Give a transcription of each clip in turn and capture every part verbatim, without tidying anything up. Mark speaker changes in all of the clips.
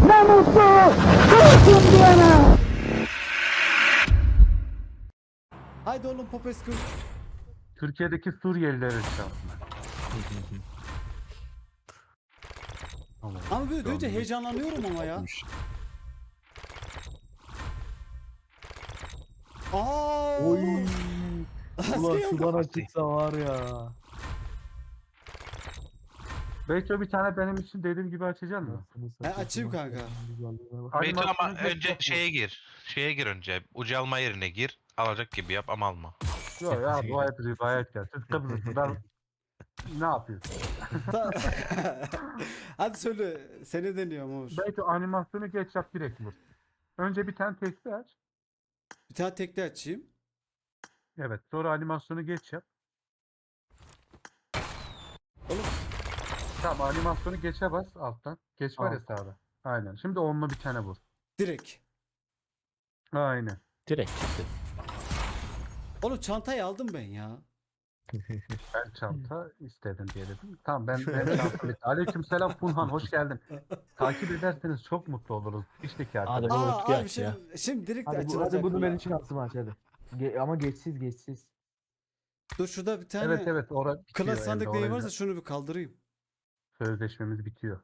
Speaker 1: Ne mutlu Türk'üm diyene.
Speaker 2: Haydi oğlum Popescu.
Speaker 3: Türkiye'deki Suriyeliler şansına. Tamam.
Speaker 2: Ama böyle
Speaker 4: Şu
Speaker 2: duyunca
Speaker 4: an
Speaker 2: heyecanlanıyorum ama ya. Aa!
Speaker 5: Oy.
Speaker 2: Asker
Speaker 5: Ulan
Speaker 2: yok.
Speaker 5: şu bana çıksa var ya.
Speaker 3: Belki bir tane benim için dediğim gibi açacaksın mı?
Speaker 5: Nasıl
Speaker 2: Ben açayım kanka.
Speaker 4: Beyto ama
Speaker 3: Animasyonu
Speaker 4: önce
Speaker 3: geçecek
Speaker 4: şeye gir. Şeye gir önce. Ucu alma yerine gir. Alacak gibi yap ama alma.
Speaker 3: bu. Yok ya bu hep rivayet ya. Siz Kıbrıslılar ne yapıyorsun?
Speaker 2: Ta- Hadi söyle. Seni deniyorum Uğur.
Speaker 3: Belki animasyonu geç yap direkt vur. Önce bir tane tekli aç.
Speaker 2: Bir tane tekli açayım.
Speaker 3: Evet sonra animasyonu geç yap.
Speaker 2: Oğlum.
Speaker 3: Tamam animasyonu geçe bas alttan. Geç var ya
Speaker 5: Alt.
Speaker 3: sağda. Aynen. Şimdi onunla bir tane vur.
Speaker 2: Direkt.
Speaker 3: Aynen.
Speaker 6: Direkt çıktı.
Speaker 2: Oğlum çantayı aldım ben ya.
Speaker 3: Ben çanta istedim diye dedim. Tamam ben ben çanta bitti. Aleykümselam Funhan hoş geldin. Takip ederseniz çok mutlu oluruz. İşteki
Speaker 6: Hadi
Speaker 3: arkadaşlar.
Speaker 6: bu
Speaker 2: Aa
Speaker 6: Utku
Speaker 2: abi
Speaker 6: aç ya.
Speaker 2: şimdi, şimdi direkt
Speaker 5: Hadi, bu,
Speaker 2: açılacak.
Speaker 5: hadi bunu
Speaker 2: bunlar.
Speaker 5: benim için atsın aç hadi. Ge- ama geçsiz geçsiz.
Speaker 2: Dur şurada bir tane
Speaker 3: Evet evet orada bitiyor.
Speaker 2: klas
Speaker 3: elde,
Speaker 2: sandık neyi
Speaker 3: orayı
Speaker 2: varsa
Speaker 3: da-
Speaker 2: şunu bir kaldırayım.
Speaker 3: Sözleşmemiz bitiyor.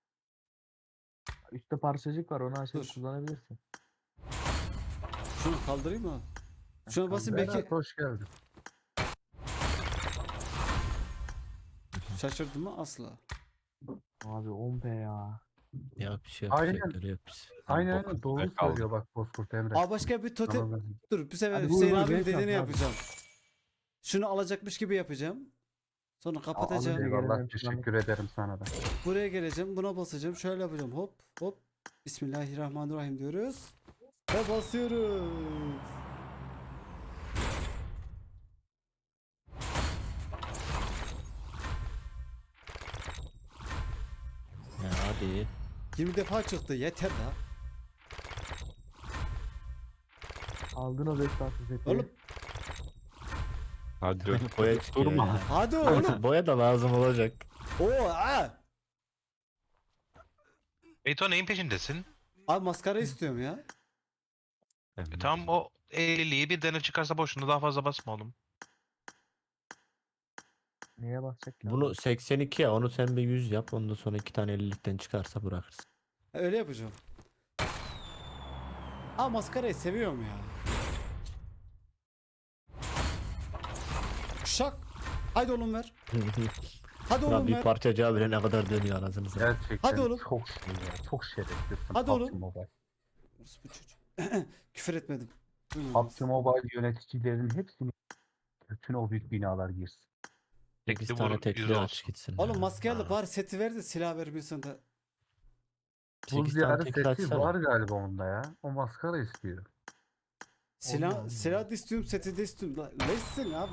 Speaker 5: Üstte parçacık var onu açıp
Speaker 2: Dur.
Speaker 5: kullanabilirsin.
Speaker 2: Şunu kaldırayım mı? Şuna basayım
Speaker 3: Berat
Speaker 2: belki
Speaker 3: hoş geldin.
Speaker 2: şaşırdım mı? Asla.
Speaker 5: Abi on p ya.
Speaker 6: Ya bir şey
Speaker 3: Aynen.
Speaker 6: yapacaklar yok biz.
Speaker 3: Aynen
Speaker 4: bok
Speaker 3: aynen doğru
Speaker 4: üstüne kaldı.
Speaker 3: söylüyor bak Bozkurt Emre.
Speaker 2: Aa başka bir totem.
Speaker 3: Anladım.
Speaker 2: Dur bir sefer
Speaker 5: Hadi bu
Speaker 2: Hüseyin
Speaker 5: uğur
Speaker 2: abinin
Speaker 5: beş
Speaker 2: dediğini
Speaker 5: yap abi.
Speaker 2: yapacağım. Şunu alacakmış gibi yapacağım. Sonra kapatacağım.
Speaker 5: alınca-
Speaker 3: Eyvallah
Speaker 5: Gelelim,
Speaker 3: teşekkür ederim sana da.
Speaker 2: Buraya geleceğim. Buna basacağım. Şöyle yapacağım. Hop hop. Bismillahirrahmanirrahim diyoruz. Ve basıyoruz.
Speaker 6: Ya hadi.
Speaker 2: yirmi defa çıktı. Yeter la.
Speaker 5: Aldın o beş parça seti.
Speaker 2: Oğlum
Speaker 4: Hadi dur.
Speaker 6: Boya çıkıyor
Speaker 4: Durma.
Speaker 6: ya.
Speaker 2: hadi oğlum.
Speaker 6: Boya da lazım olacak.
Speaker 2: Oo aa.
Speaker 4: Beyto neyin peşindesin?
Speaker 2: Abi maskara istiyorum ya.
Speaker 4: E, tamam o elliliği bir dene çıkarsa boşuna daha fazla basma oğlum.
Speaker 5: Neye basacak ki?
Speaker 6: Bunu seksen iki ya onu sen bir yüz yap. Ondan sonra iki tane ellilikten çıkarsa bırakırsın.
Speaker 2: Öyle yapacağım. Aa maskarayı seviyorum ya. Şak. Haydi oğlum ver. Hadi
Speaker 6: Ulan
Speaker 2: oğlum
Speaker 6: bir
Speaker 2: ver.
Speaker 6: parçacığı bile ne kadar dönüyor anasını satayım.
Speaker 3: Gerçekten
Speaker 2: Hadi oğlum.
Speaker 3: çok şey ya. Çok şerefsizsin.
Speaker 2: Hadi
Speaker 3: P U B G
Speaker 2: oğlum.
Speaker 3: Mobile.
Speaker 2: Bu çocuğu. Küfür etmedim. Duymadınız.
Speaker 3: P U B G Mobile yöneticilerinin hepsini bütün o büyük binalar girsin.
Speaker 6: sekiz
Speaker 4: Tekli
Speaker 6: tane
Speaker 4: vur,
Speaker 6: tekli
Speaker 4: yüz
Speaker 6: aç
Speaker 4: olsun.
Speaker 6: gitsin.
Speaker 2: Oğlum
Speaker 6: ya.
Speaker 2: maske al da
Speaker 6: Ha.
Speaker 2: bari seti ver de silah vermiyorsun da.
Speaker 3: Buz
Speaker 6: sekiz tane
Speaker 3: diyarı
Speaker 6: tekli
Speaker 3: seti
Speaker 6: açsana.
Speaker 3: var galiba onda ya. O maskara istiyor.
Speaker 2: Silah,
Speaker 5: Allah
Speaker 2: silah da istiyorum, seti de istiyorum. La, Leşsin abi.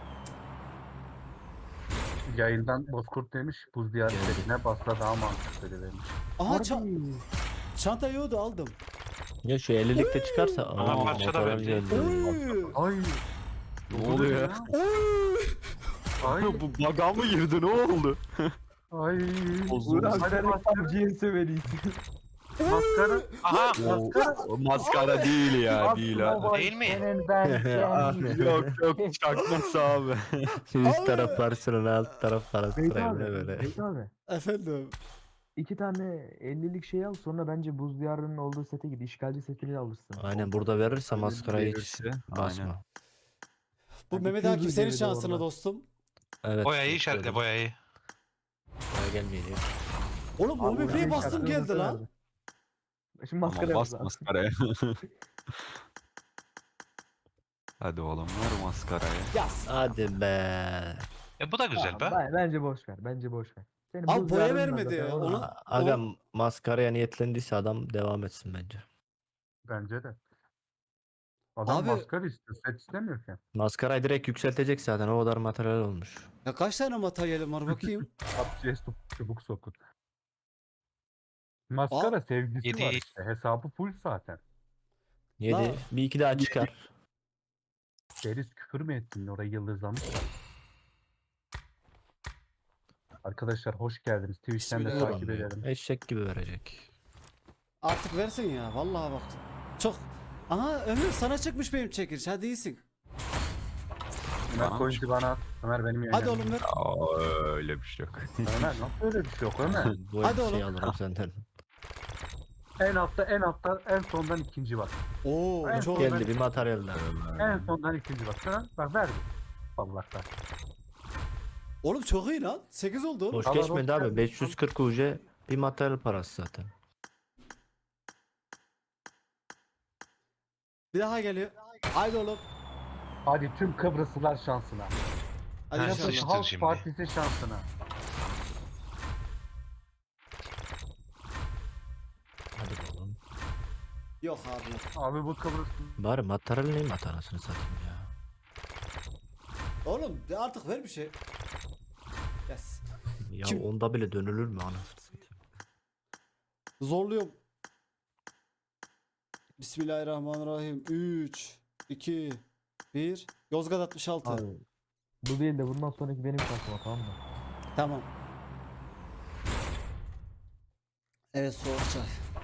Speaker 3: Yayından Bozkurt demiş buz diyarı
Speaker 6: Geldi.
Speaker 3: setine basla daha mantıklı demiş.
Speaker 2: Aha
Speaker 5: Harbi.
Speaker 2: ça- çanta yoğdu aldım.
Speaker 6: Ya şu ellilikte çıkarsa.
Speaker 4: Aha,
Speaker 6: Aa,
Speaker 4: parça da
Speaker 6: motoran
Speaker 4: verdi.
Speaker 6: geldi.
Speaker 2: Oy.
Speaker 3: Ay.
Speaker 4: Ne oluyor ya?
Speaker 2: Oy.
Speaker 3: Ay.
Speaker 4: Bu baga mı girdi ne oldu?
Speaker 3: Ay.
Speaker 5: Uğur abi
Speaker 3: Hadi
Speaker 5: sen
Speaker 3: maskara.
Speaker 5: P U B G'in sevelisin.
Speaker 3: Maskara.
Speaker 4: Aha.
Speaker 3: Maskara.
Speaker 4: Maskara değil ya değil ha.
Speaker 3: Mobile
Speaker 4: Değil mi?
Speaker 3: senin ben sen.
Speaker 4: Yok yok çakması abi.
Speaker 6: Üst taraf parasını alt taraf parası
Speaker 5: Beyt
Speaker 6: sırayla
Speaker 5: abi.
Speaker 6: böyle.
Speaker 5: Beyt abi.
Speaker 2: Efendim.
Speaker 5: İki tane ellilik şey al sonra bence buz diyarının olduğu sete git. İşgalci setini alırsın.
Speaker 6: Aynen burada verirse
Speaker 4: Öyle
Speaker 6: maskarayı hiç
Speaker 4: verirse,
Speaker 6: basma.
Speaker 4: aynen.
Speaker 2: Bu
Speaker 5: Yani
Speaker 2: Mehmet
Speaker 5: iki yüz
Speaker 2: Akif senin
Speaker 5: geride
Speaker 2: şansına
Speaker 5: orada.
Speaker 2: dostum.
Speaker 6: Evet.
Speaker 4: Boyayı
Speaker 6: çok
Speaker 4: işaretle
Speaker 6: doğru.
Speaker 4: boyayı.
Speaker 6: Boya gelmeyecek.
Speaker 2: Oğlum
Speaker 5: Abi
Speaker 2: o bebeğe
Speaker 5: benim
Speaker 2: bastım
Speaker 5: şarkımı
Speaker 2: geldi lan.
Speaker 5: verdi. Şimdi maskara
Speaker 4: Tamam bas
Speaker 5: yapacağız.
Speaker 4: maskaraya. Hadi oğlum ver maskarayı.
Speaker 2: Yaz.
Speaker 6: Hadi be.
Speaker 4: E bu da güzel be.
Speaker 5: Ben- Bence boş ver. Bence boş ver. Senin
Speaker 2: Abi
Speaker 5: buz
Speaker 2: boya
Speaker 5: diyarın var
Speaker 2: vermedi
Speaker 5: zaten,
Speaker 2: ya,
Speaker 5: oğlum.
Speaker 2: onu-
Speaker 6: A- Aga maskaraya niyetlendiyse adam devam etsin bence.
Speaker 3: Bence de. Adam
Speaker 2: Abi-
Speaker 3: maskara istiyor. Set istemiyor ki.
Speaker 6: Maskarayı direkt yükseltecek zaten o kadar materyal olmuş.
Speaker 2: Ya kaç tane materyalim var bakayım.
Speaker 3: P U B G'ye çubuk sokun. Maskara sevgisi
Speaker 4: Yedi.
Speaker 3: var işte. Hesabı full zaten.
Speaker 6: yedi.
Speaker 2: La-
Speaker 6: Bir iki daha çıkar.
Speaker 3: Deriz küfür mü ettin? Orayı yıldızlamışlar. Arkadaşlar hoş geldiniz. Twitch'ten de
Speaker 2: Bismillah.
Speaker 3: takip
Speaker 6: Vuramıyor.
Speaker 3: edelim.
Speaker 6: Eşek gibi verecek.
Speaker 2: artık versin ya. Vallahi bak. Çok. Aha Ömür sana çıkmış benim çekiliş. Hadi iyisin.
Speaker 3: Ömer
Speaker 7: Bana
Speaker 3: coin'i bana at. Ömer benim yayınım.
Speaker 2: Hadi oğlum ver.
Speaker 7: Aa, öyle bir şey yok.
Speaker 3: Ömer nasıl öyle bir şey yok Ömer?
Speaker 6: Bu
Speaker 2: Hadi
Speaker 6: elbiseyi
Speaker 2: oğlum.
Speaker 6: alırım senden.
Speaker 3: En altta en altta en sondan ikinci bak.
Speaker 2: Oo
Speaker 3: En
Speaker 2: çok.
Speaker 3: son-
Speaker 6: Geldi bir materyaller.
Speaker 3: En sondan ikinci bak. Sana bak verdi. Allah kahretsin.
Speaker 2: Oğlum çok iyi lan. sekiz oldu oğlum.
Speaker 6: Boş
Speaker 3: Allah
Speaker 6: geçmedi
Speaker 3: hoş
Speaker 6: abi.
Speaker 3: geldin.
Speaker 6: beş yüz kırk U C bir materyal parası zaten.
Speaker 2: Bir daha geliyor. Haydi oğlum.
Speaker 3: Hadi tüm Kıbrıslılar şansına.
Speaker 2: Hadi
Speaker 4: Ha,
Speaker 2: inşallah.
Speaker 4: sıçtı.
Speaker 3: Halk
Speaker 4: şimdi.
Speaker 3: Partisi şansına.
Speaker 6: Hadi oğlum.
Speaker 2: Yok abi yok.
Speaker 3: Abi bu Kıbrıs
Speaker 6: Bari materyal neyim at anasını satayım ya.
Speaker 2: Oğlum de artık ver bir şey. Yes.
Speaker 6: Ya
Speaker 2: Kim-
Speaker 6: onda bile dönülür mü anasını satayım.
Speaker 2: Zorluyorum. Bismillahirrahmanirrahim. üç, iki, bir. Yozgat altmış altı.
Speaker 5: Abi, bu değil de bundan sonraki benim şansıma, tamam mı?
Speaker 2: Tamam. Evet soğuk çay.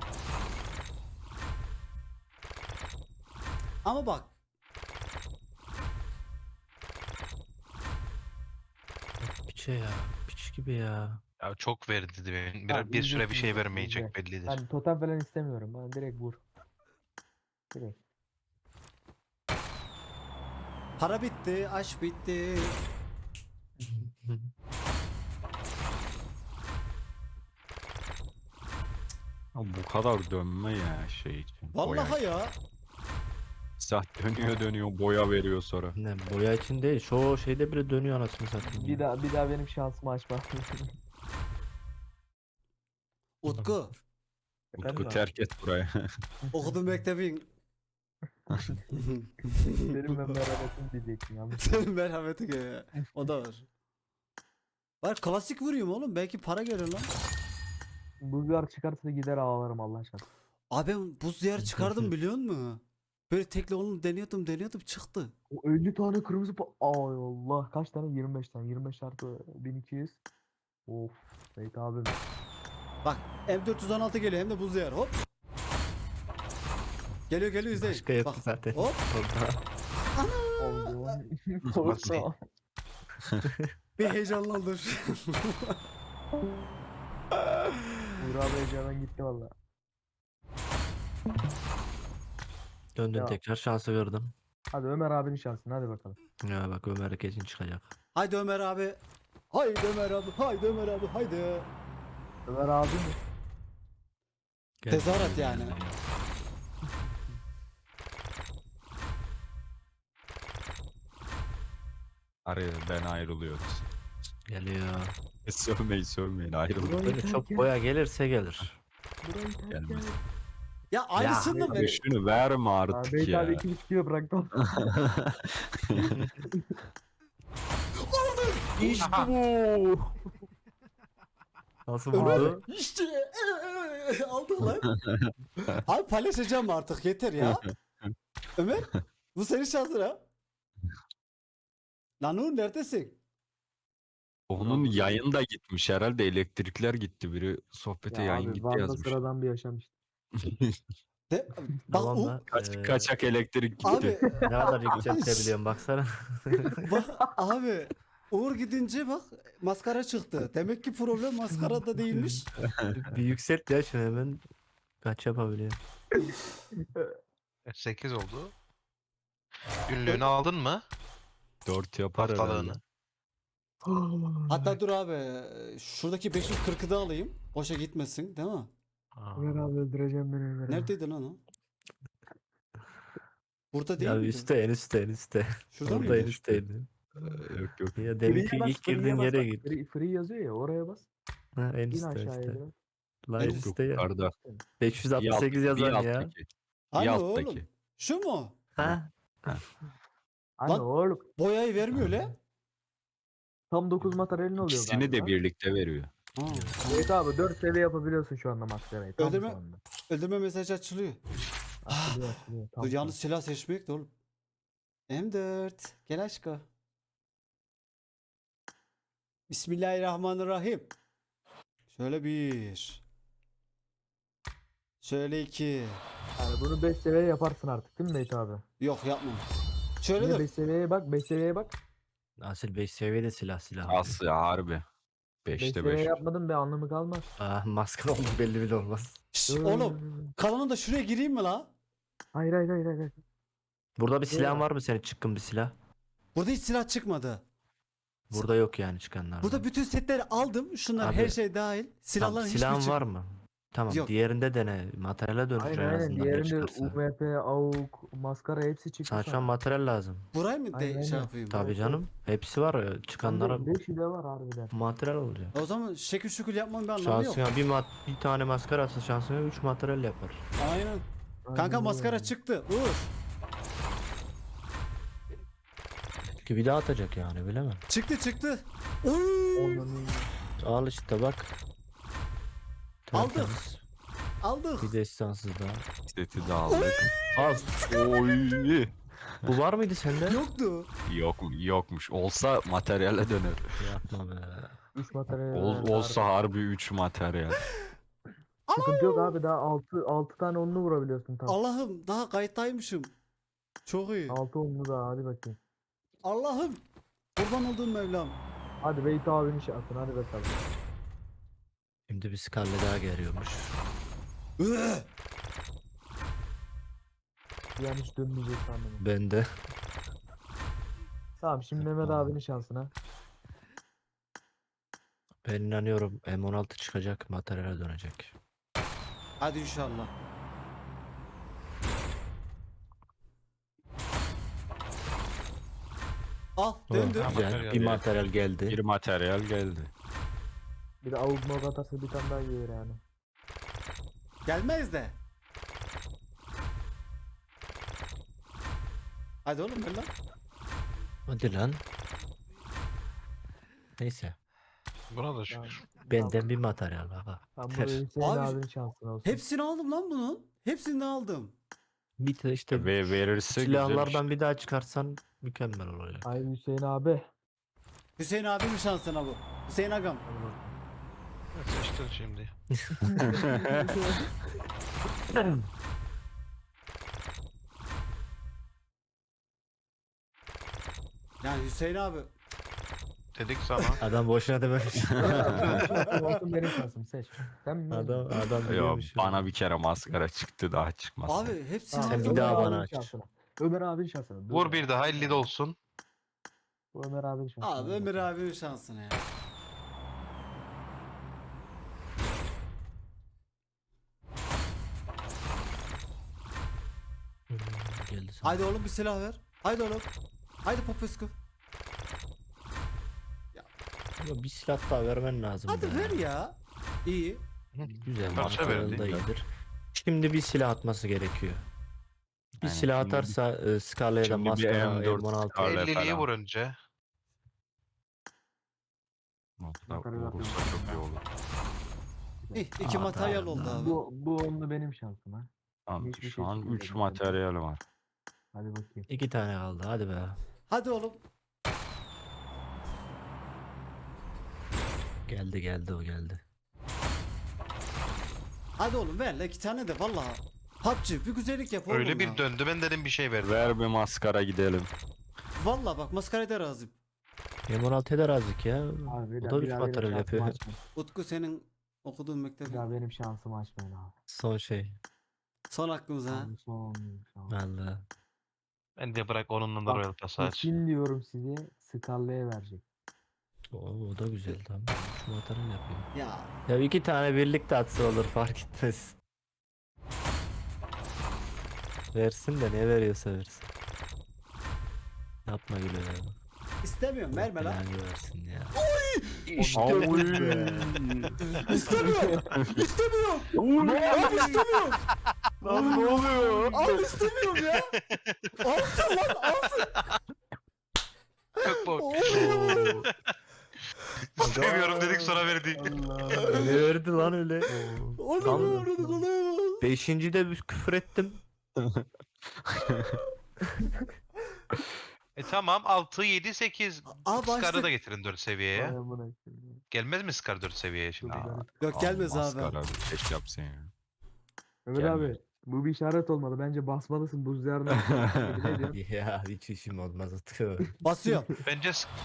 Speaker 2: Ama bak.
Speaker 6: Piçe ya. Piç gibi ya.
Speaker 4: Ya çok verdi dedi benim. Bir,
Speaker 5: Abi,
Speaker 4: bir süre bir
Speaker 5: izle,
Speaker 4: şey
Speaker 5: izle,
Speaker 4: vermeyecek
Speaker 5: izle.
Speaker 4: bellidir.
Speaker 5: Ben totem falan istemiyorum. Ben direkt vur. Direkt.
Speaker 2: Para bitti, aşk bitti.
Speaker 7: Ya bu kadar dönme ya şey için.
Speaker 2: Vallahi
Speaker 7: boya.
Speaker 2: ya.
Speaker 7: Sah dönüyor dönüyor boya veriyor sonra.
Speaker 6: Ne boya için değil. Şu şeyde bile dönüyor anasını satayım.
Speaker 5: Bir
Speaker 6: ya.
Speaker 5: daha bir daha benim şansımı açma.
Speaker 2: Utku.
Speaker 6: Efendim
Speaker 7: Utku
Speaker 6: abi?
Speaker 7: terk et burayı.
Speaker 2: Okudum mektebin.
Speaker 5: Benim ben merhametim diyecektim yanlış.
Speaker 2: Senin merhameti ya. O da var. Var klasik vuruyorum oğlum. Belki para gelir lan.
Speaker 5: Bulgar çıkarsa gider ağlarım Allah aşkına.
Speaker 2: Abi ben buz diyarı çıkardım biliyor musun? Böyle tekli onu deniyordum deniyordum çıktı.
Speaker 5: O elli tane kırmızı pa... Ay Allah, kaç tane? yirmi beş tane. yirmi beş çarpı bin iki yüz. Of. Seyit abim.
Speaker 2: Bak M dört yüz on altı geliyor hem de buz diyarı hop. Geliyor geliyor izleyin.
Speaker 6: Başka yok
Speaker 2: Bak,
Speaker 6: zaten.
Speaker 2: hop.
Speaker 5: Oldu.
Speaker 4: Nasıl?
Speaker 5: Korkma.
Speaker 2: Bir heyecanlandım.
Speaker 5: Uğur abi heyecandan gitti valla.
Speaker 6: Döndün
Speaker 5: Ya.
Speaker 6: tekrar şansı gördüm.
Speaker 5: Hadi Ömer abinin şansını, hadi bakalım.
Speaker 6: Ya bak Ömer kesin çıkacak.
Speaker 2: Haydi Ömer abi. Haydi Ömer abi. Haydi Ömer abi. Haydi.
Speaker 5: Ömer abi mi?
Speaker 6: Gel
Speaker 2: Tezahürat
Speaker 6: bakalım
Speaker 2: yani.
Speaker 6: ya.
Speaker 7: Araya ben ayrılıyoruz.
Speaker 6: Geliyor.
Speaker 7: Sövmeyin sövmeyin ayrılın.
Speaker 6: Böyle çok boya gelirse gelir.
Speaker 5: Burayı terk
Speaker 7: Gelmez.
Speaker 5: et.
Speaker 2: Ya aynısını mı?
Speaker 7: Abi şunu verme
Speaker 5: Abi
Speaker 7: artık
Speaker 5: Beyt
Speaker 7: ya.
Speaker 5: abi iki buçuk kilo bıraktı.
Speaker 6: İşte bu. Nasıl
Speaker 2: Ömer
Speaker 6: vurdu?
Speaker 2: işte aldık lan. Abi paylaşacağım artık yeter ya. Ömer bu senin şansın ha. Lan Uğur neredesin?
Speaker 7: Onun yayın da gitmiş herhalde elektrikler gitti biri sohbete
Speaker 5: Ya
Speaker 7: yayın
Speaker 5: abi
Speaker 7: gitti
Speaker 5: Van'da
Speaker 7: yazmış.
Speaker 5: sıradan bir yaşam işte.
Speaker 2: De, bak
Speaker 6: Tamam
Speaker 2: Uğur,
Speaker 6: da.
Speaker 7: Kaç,
Speaker 6: eee,
Speaker 7: kaçak elektrik gitti.
Speaker 2: abi
Speaker 6: Ne kadar yükseltebiliyorum baksana.
Speaker 2: bak abi Uğur gidince bak maskara çıktı. Demek ki problem maskarada değilmiş.
Speaker 6: Bir yükselt ya şunu hemen. Kaç yapabiliyor?
Speaker 4: sekiz oldu. Günlüğünü aldın mı?
Speaker 7: Dört yapar herhalde.
Speaker 4: Haftalığını.
Speaker 2: Hatta dur abi şuradaki beş yüz kırkı da alayım. Boşa gitmesin değil mi?
Speaker 6: Aa.
Speaker 5: Ömer abi öldüreceğim beni Ömer abi.
Speaker 2: Neredeydi lan o? Burada değil
Speaker 6: Ya
Speaker 2: miydi?
Speaker 6: üstte en üstte en üstte.
Speaker 2: Şurada
Speaker 6: Orada
Speaker 2: mıydı?
Speaker 6: en üstteydi.
Speaker 7: Ee, Yok yok.
Speaker 6: Ya
Speaker 5: Free'ye
Speaker 6: deminki
Speaker 5: bas,
Speaker 6: ilk
Speaker 5: free'ye
Speaker 6: girdiğin
Speaker 5: bas
Speaker 6: yere
Speaker 5: bak.
Speaker 6: git.
Speaker 5: Free, free yazıyor ya, oraya bas.
Speaker 6: Ha, en
Speaker 5: İn
Speaker 6: üstte
Speaker 5: aşağıya
Speaker 6: işte.
Speaker 5: biraz.
Speaker 6: La en
Speaker 2: Yok,
Speaker 7: Yok
Speaker 6: üstte ya.
Speaker 7: yukarıda.
Speaker 6: beş yüz altmış
Speaker 7: Bir alt-
Speaker 6: sekiz
Speaker 7: bir
Speaker 6: yazan ya.
Speaker 7: alttaki.
Speaker 2: Hani
Speaker 7: Bir
Speaker 2: oğlum?
Speaker 7: alttaki.
Speaker 2: Şu mu?
Speaker 6: Ha?
Speaker 5: Hani
Speaker 2: Lan-
Speaker 5: oğlum.
Speaker 2: Boyayı vermiyor le.
Speaker 5: Tam dokuz materyalin oluyor
Speaker 7: İkisini
Speaker 5: galiba.
Speaker 7: de birlikte veriyor.
Speaker 2: Ha.
Speaker 5: Evet abi dört seviye yapabiliyorsun şu anda maskarayı. Tam
Speaker 2: Öldürme-
Speaker 5: şu anda.
Speaker 2: Öldürme mesajı açılıyor.
Speaker 5: Açılıyor açılıyor. Tam
Speaker 2: Dur
Speaker 5: şu
Speaker 2: yalnız silah seçmek de oğlum. M dört. Gel aşkım. Bismillahirrahmanirrahim. Şöyle bir. Şöyle iki.
Speaker 5: Yani bunu beş seviye yaparsın artık değil mi Nate abi?
Speaker 2: Yok yapmam. Şöyle
Speaker 5: Yine
Speaker 2: dur.
Speaker 5: beş seviyeye bak, beş seviyeye bak.
Speaker 6: Asil beş seviyede silah silah.
Speaker 7: Aslı ya harbi.
Speaker 5: beş
Speaker 7: beşte
Speaker 5: seviye
Speaker 7: beş.
Speaker 5: yapmadın bir anlamı kalmaz.
Speaker 6: Ah maskara oldu belli bile olmaz.
Speaker 2: Şşş, oğlum kalanın da şuraya gireyim mi la?
Speaker 5: Hayır hayır hayır hayır.
Speaker 6: Burada bir silahın
Speaker 5: Eyvah.
Speaker 6: var mı senin çıkkın bir silah?
Speaker 2: Burada hiç silah çıkmadı.
Speaker 6: Burada yok yani çıkanlar.
Speaker 2: Burada bütün setleri aldım. Şunlar
Speaker 6: Abi,
Speaker 2: her şey dahil. Silahların hiçbir
Speaker 6: silahın
Speaker 2: çık-
Speaker 6: var mı? Tamam
Speaker 2: Yok.
Speaker 6: diğerinde dene. Materyale dönüşür
Speaker 5: Aynen
Speaker 6: en
Speaker 5: aynen.
Speaker 6: azından ne
Speaker 5: Diğerinde
Speaker 6: çıkarsa.
Speaker 5: U M P, A U K, maskara hepsi çıktı.
Speaker 6: Sana şu an materyal lazım.
Speaker 2: Burayı mı de
Speaker 5: Aynen,
Speaker 2: şey
Speaker 5: aynen.
Speaker 2: yapayım?
Speaker 6: Tabii canım. Hepsi var ya. Çıkanlara
Speaker 5: beşi de var harbiden.
Speaker 6: materyal olacak.
Speaker 2: O zaman şekil şükür yapmanın bir anlamı yok.
Speaker 6: Şansına bir, mat bir tane maskara atsa şansına üç materyal yapar.
Speaker 2: Aynen. Kanka
Speaker 5: Aynen
Speaker 2: maskara
Speaker 5: öyle.
Speaker 2: çıktı. Uğur.
Speaker 6: Ki bir daha atacak yani bilemem.
Speaker 2: Çıktı çıktı. Uy!
Speaker 5: Onların-
Speaker 6: Al işte bak.
Speaker 2: Aldık.
Speaker 6: Tertemiz.
Speaker 2: Aldık.
Speaker 6: Bir destansız daha.
Speaker 7: Seti de aldık.
Speaker 6: Al.
Speaker 7: Oy.
Speaker 6: Bu var mıydı sende?
Speaker 2: Yoktu.
Speaker 7: Yok yokmuş. Olsa materyale döner.
Speaker 6: Yapma be.
Speaker 5: Üç materyal.
Speaker 7: Ol,
Speaker 5: var
Speaker 7: olsa
Speaker 5: harbi.
Speaker 7: harbi üç materyal.
Speaker 5: Sıkıntı yok abi daha altı altı tane onlu vurabiliyorsun tam.
Speaker 2: Allah'ım daha kayıttaymışım. Çok iyi.
Speaker 5: altı onlu daha hadi bakayım.
Speaker 2: Allah'ım. Kurban olduğum Mevlam.
Speaker 5: Hadi Beyt abinin şansını hadi bakalım.
Speaker 6: Şimdi bir skalle daha geliyormuş.
Speaker 2: Üh!
Speaker 5: Bir an hiç dönmeyecek sandım.
Speaker 6: Ben de.
Speaker 5: Tamam şimdi Mehmet abinin şansına.
Speaker 6: Ben inanıyorum M on altı çıkacak materyale dönecek.
Speaker 2: Hadi inşallah. Al döndü.
Speaker 6: Oh, güzel.
Speaker 4: Materyal
Speaker 6: Bir
Speaker 4: geldi.
Speaker 6: materyal geldi.
Speaker 7: Bir materyal geldi.
Speaker 5: Bir de avuk mavuk atarsa bir tane daha gelir yani.
Speaker 2: Gelmez de. Hadi oğlum ver lan.
Speaker 6: Hadi lan. Neyse.
Speaker 4: Buna da
Speaker 5: Tamam.
Speaker 4: şükür.
Speaker 6: Benden bir materyal baba.
Speaker 5: Tamam bu
Speaker 6: Ter.
Speaker 5: Hüseyin
Speaker 2: Abi,
Speaker 5: abinin şansına olsun.
Speaker 2: Hepsini aldım lan bunun. Hepsini aldım.
Speaker 6: Bir de işte
Speaker 7: Ve verirse güzel.
Speaker 6: silahlardan bir daha çıkarsan mükemmel olacak.
Speaker 5: Hayır Hüseyin abi.
Speaker 2: Hüseyin abimin şansına bu. Hüseyin agam.
Speaker 5: Hadi bakalım.
Speaker 4: Seçtin şimdi.
Speaker 2: Yani Hüseyin abi.
Speaker 4: Dedik sana.
Speaker 6: Adam boşuna dememiş.
Speaker 5: Şansım olsun benim şansım seç. Sen mi?
Speaker 6: adam adam
Speaker 7: Yo,
Speaker 6: biliyormuş.
Speaker 7: bana bir kere maskara çıktı daha çıkmaz.
Speaker 2: Abi hepsini
Speaker 5: Tamam,
Speaker 6: Sen
Speaker 2: aldım.
Speaker 6: bir daha
Speaker 5: Ömer
Speaker 6: bana
Speaker 5: abinin
Speaker 6: aç.
Speaker 5: şansına. Ömer abinin şansına. Dur
Speaker 4: Vur
Speaker 5: ya.
Speaker 4: bir daha elli de olsun.
Speaker 5: Bu Ömer abinin şansına.
Speaker 2: Abi Ömer abimin şansına ya.
Speaker 6: Hmm, geldi sana.
Speaker 2: Haydi oğlum bir silah ver. Haydi oğlum. Haydi Popescu.
Speaker 6: Ama bir silah daha vermen lazım.
Speaker 2: Hadi
Speaker 6: be.
Speaker 2: ver ya. İyi.
Speaker 6: Güzel
Speaker 4: Parça
Speaker 6: materyal
Speaker 4: verdi.
Speaker 6: da iyidir. Şimdi bir silah atması gerekiyor. Bir
Speaker 7: Aynen,
Speaker 6: silah
Speaker 7: şimdi bir-
Speaker 6: atarsa e, Scarlet ya da
Speaker 7: şimdi bir
Speaker 6: Maskara
Speaker 7: M dört
Speaker 6: M on altı.
Speaker 7: Scarlet. Öyle
Speaker 4: elliliyi
Speaker 7: falan.
Speaker 4: vur önce.
Speaker 7: Nokta
Speaker 5: Yukarı
Speaker 7: vurursa
Speaker 5: bakıyorum.
Speaker 7: çok iyi olur.
Speaker 2: İyi, iki
Speaker 6: Aa,
Speaker 2: materyal
Speaker 6: tamam,
Speaker 2: oldu
Speaker 6: tamam.
Speaker 2: abi.
Speaker 5: Bu, bu onlu benim şansım ha.
Speaker 7: Tamam,
Speaker 5: Hiçbir
Speaker 7: şu
Speaker 5: şey
Speaker 7: an
Speaker 5: çıkmadı
Speaker 7: üç
Speaker 5: zaten.
Speaker 7: materyal var.
Speaker 5: Hadi bakayım.
Speaker 6: İki tane kaldı hadi be.
Speaker 2: Hadi oğlum.
Speaker 6: Geldi geldi o geldi.
Speaker 2: Hadi oğlum ver la iki tane de vallahi. P U B G bir güzellik yap oğlum
Speaker 4: Öyle
Speaker 2: ya.
Speaker 4: bir döndü ben dedim bir şey ver.
Speaker 7: Ver bir maskara gidelim.
Speaker 2: Vallahi bak maskaraya da razıyım.
Speaker 6: M on altıya da razık ya.
Speaker 5: Abi bir
Speaker 6: O
Speaker 5: daha,
Speaker 6: da
Speaker 5: bir
Speaker 6: üç
Speaker 5: daha benim
Speaker 6: materyal
Speaker 5: şansımı
Speaker 6: yapıyor.
Speaker 5: açmayın.
Speaker 2: Utku senin okuduğun
Speaker 5: Bir
Speaker 2: mektebin.
Speaker 5: daha benim şansımı açmayın abi.
Speaker 6: Son şey.
Speaker 2: Son hakkımız ha.
Speaker 5: Son, son, son.
Speaker 6: Vallahi.
Speaker 4: Ben de bırak onunla da
Speaker 5: Bak,
Speaker 4: Royal Pass aç.
Speaker 5: Kesin diyorum size Scarlet'e verecek.
Speaker 6: O, o da güzel tamam. Şu materyal yapıyor.
Speaker 2: Ya
Speaker 6: Ya iki tane birlikte atsa olur fark etmez. Versin de ne veriyorsa versin. Yapma gülü ya.
Speaker 2: istemiyorum verme lan.
Speaker 6: Belanı versin ya.
Speaker 7: İşte bu.
Speaker 2: İstemiyorum. İstemiyorum. Abi istemiyorum.
Speaker 7: Lan ne oluyor?
Speaker 2: Abi istemiyorum ya. Alsın lan alsın.
Speaker 4: Çok bok.
Speaker 2: Oo.
Speaker 4: Seviyorum dedik sonra verdi.
Speaker 6: Ne verdi lan öyle?
Speaker 2: Onu
Speaker 6: Tam-
Speaker 2: mu orada kolay mı?
Speaker 6: Beşinci de bir küfür ettim.
Speaker 4: E tamam altı, yedi, sekiz.
Speaker 2: Aa,
Speaker 4: Scar'ı
Speaker 2: başta-
Speaker 4: da getirin dört seviyeye.
Speaker 5: Vay amına koyayım.
Speaker 4: Gelmez mi Scar dört seviyeye şimdi?
Speaker 5: Dur,
Speaker 7: Aa,
Speaker 2: Yok gelmez
Speaker 7: Al
Speaker 2: abi.
Speaker 7: maskara bir keş yapsın ya.
Speaker 5: Ömer
Speaker 7: Gelmiyor.
Speaker 5: abi bu bir işaret olmalı. Bence basmalısın buz diyarına. Ne diyorsun?
Speaker 6: Ya hiç işim olmaz Utku.
Speaker 2: Basıyorum.
Speaker 4: Bence s-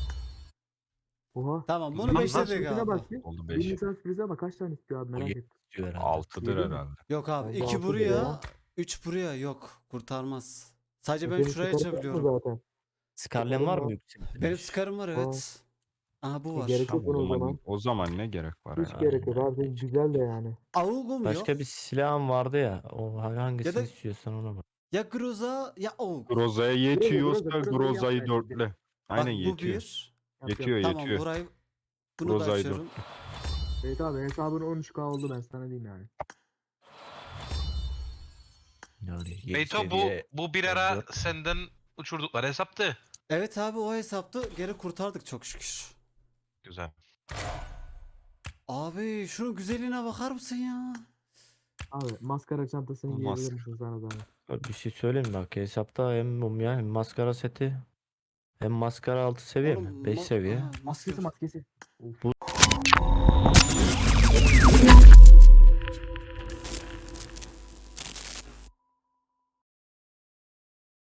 Speaker 5: Oha.
Speaker 2: Tamam bunu
Speaker 4: Lan
Speaker 2: beşledik
Speaker 5: Sürprize
Speaker 2: abi.
Speaker 5: bak bir.
Speaker 7: Oldu
Speaker 5: Bir
Speaker 7: beş.
Speaker 5: Nisan sürprize bak kaç tane istiyor abi
Speaker 6: O
Speaker 5: merak
Speaker 6: yedi
Speaker 5: ettim.
Speaker 6: diyor herhalde.
Speaker 7: altıdır
Speaker 5: Yedi mi?
Speaker 7: herhalde.
Speaker 2: Yok abi
Speaker 5: Bence
Speaker 2: iki
Speaker 5: altı
Speaker 2: buraya,
Speaker 5: ya.
Speaker 2: üç buraya yok. Kurtarmaz. Sadece ben
Speaker 5: Senin
Speaker 2: şuraya
Speaker 5: çıkarı yok mu
Speaker 2: açabiliyorum.
Speaker 5: zaten?
Speaker 6: Skarlen var
Speaker 5: Var.
Speaker 6: mı yüksek?
Speaker 2: Benim Scar'ım var evet. Aha bu
Speaker 5: E,
Speaker 2: var.
Speaker 5: gerek yok
Speaker 7: Tamam, o
Speaker 5: buna o
Speaker 7: zaman,
Speaker 5: zaman.
Speaker 7: o zaman ne gerek var
Speaker 5: Hiç
Speaker 7: ya?
Speaker 5: gerek yok
Speaker 6: Aynen.
Speaker 5: abi. Senin güzel de yani.
Speaker 2: Avugum yok.
Speaker 6: Başka bir silahım vardı ya. O hangisini
Speaker 2: Ya da-
Speaker 6: istiyorsan ona bak.
Speaker 2: Ya Groza ya Avug.
Speaker 7: Groza'ya
Speaker 5: Groza,
Speaker 7: yetiyorsa
Speaker 5: Groza
Speaker 7: Groza'yı
Speaker 5: yapmayın bize.
Speaker 7: dörtle. Aynen
Speaker 2: Bak bu
Speaker 7: yetiyor.
Speaker 2: bir.
Speaker 5: Yap,
Speaker 7: Yetiyor
Speaker 5: yap.
Speaker 2: Tamam
Speaker 7: yetiyor.
Speaker 2: burayı bunu da
Speaker 7: Groza'yı
Speaker 2: açıyorum.
Speaker 5: Evet abi hesabın on üç K oldu ben sana diyeyim yani.
Speaker 6: Yani yedi
Speaker 4: Beyto bu
Speaker 6: seviye
Speaker 4: bu bir ara
Speaker 6: on dört.
Speaker 4: senden uçurdukları hesaptı.
Speaker 2: Evet abi o hesapta geri kurtardık çok şükür.
Speaker 4: Güzel.
Speaker 2: Abi şunun güzelliğine bakar mısın ya?
Speaker 5: Abi maskara çantasını
Speaker 7: O
Speaker 5: giyebilir
Speaker 7: mask-
Speaker 5: misin sana zahmet?
Speaker 6: Bir şey söyleyeyim mi bak hesapta hem mumya hem maskara seti hem maskara altı seviye
Speaker 2: Oğlum,
Speaker 6: mi? beş
Speaker 2: ma-
Speaker 6: seviye.
Speaker 2: Aha,
Speaker 5: Maskesi
Speaker 2: maske.
Speaker 5: maskesi. Of.
Speaker 6: Bu-